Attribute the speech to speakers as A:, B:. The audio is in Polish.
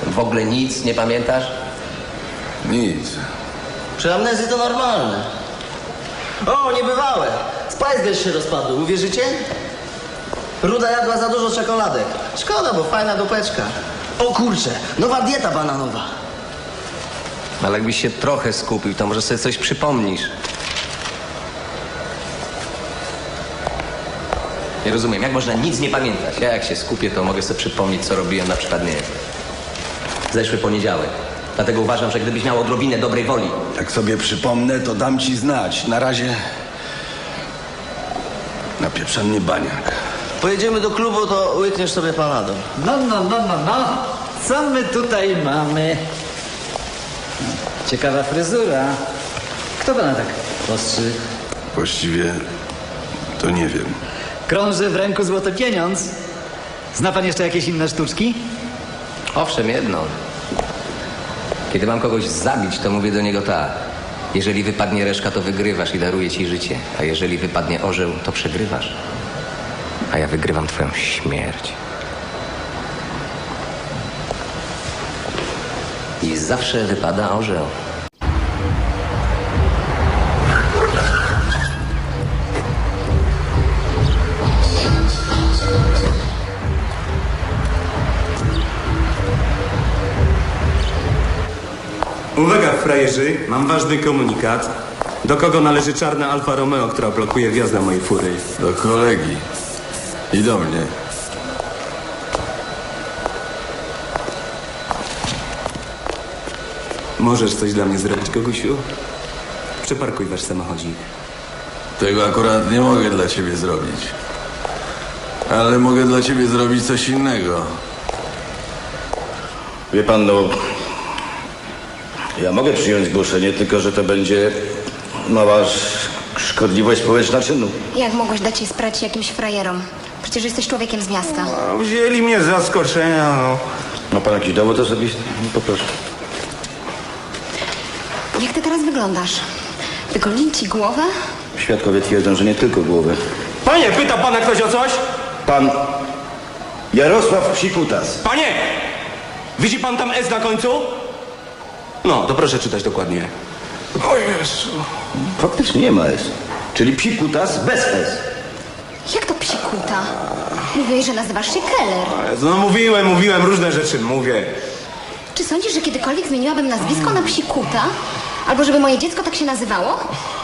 A: W ogóle nic nie pamiętasz?
B: Nic.
C: Przy amnezji to normalne. O, niebywałe. Spice Girls się rozpadły, uwierzycie? Ruda jadła za dużo czekoladek. Szkoda, bo fajna dupeczka. O kurczę, nowa dieta bananowa.
A: Ale jakbyś się trochę skupił, to może sobie coś przypomnisz. Nie rozumiem, jak można nic nie pamiętać? Ja jak się skupię, to mogę sobie przypomnieć, co robiłem na przykład, nie wiem, zeszły poniedziałek. Dlatego uważam, że gdybyś miał odrobinę dobrej woli.
B: Jak sobie przypomnę, to dam ci znać. Na razie... napieprza mnie baniak.
C: Pojedziemy do klubu, to łykniesz sobie panadol.
D: No. Co my tutaj mamy? Ciekawa fryzura. Kto pana tak postrzy?
B: Właściwie to nie wiem.
D: Krąży w ręku złoty pieniądz. Zna pan jeszcze jakieś inne sztuczki?
A: Owszem, jedno. Kiedy mam kogoś zabić, to mówię do niego tak. Jeżeli wypadnie reszka, to wygrywasz i daruję ci życie. A jeżeli wypadnie orzeł, to przegrywasz. A ja wygrywam twoją śmierć. I zawsze wypada orzeł.
E: Uwaga, frajerzy, mam ważny komunikat. Do kogo należy czarna Alfa Romeo, która blokuje wjazd na mojej fury?
B: Do kolegi. I do mnie.
E: Możesz coś dla mnie zrobić, Gogusiu? Przeparkuj wasz samochodzik.
B: Tego akurat nie mogę dla ciebie zrobić. Ale mogę dla ciebie zrobić coś innego.
F: Wie pan, no... Ja mogę przyjąć zgłoszenie, tylko że to będzie mała szkodliwość społeczna czynu.
G: Jak mogłeś dać jej sprać jakimś frajerom? Przecież jesteś człowiekiem z miasta.
E: No, wzięli mnie z zaskoczenia, no.
F: Ma pan jakiś dowód osobisty? Poproszę.
G: Jak ty teraz wyglądasz? Wygolili ci głowę?
F: Świadkowie twierdzą, że nie tylko głowy.
E: Panie, pyta pana ktoś o coś?
F: Pan Jarosław Psikutas.
E: Panie! Widzi pan tam S na końcu? No, to proszę czytać dokładnie.
B: O Jezu.
F: Faktycznie nie ma S. Czyli Psikutas bez S.
G: Jak to psikuta? Mówiłeś, że nazywasz się Keller.
E: No mówiłem, różne rzeczy mówię.
G: Czy sądzisz, że kiedykolwiek zmieniłabym nazwisko na psikuta? Albo żeby moje dziecko tak się nazywało?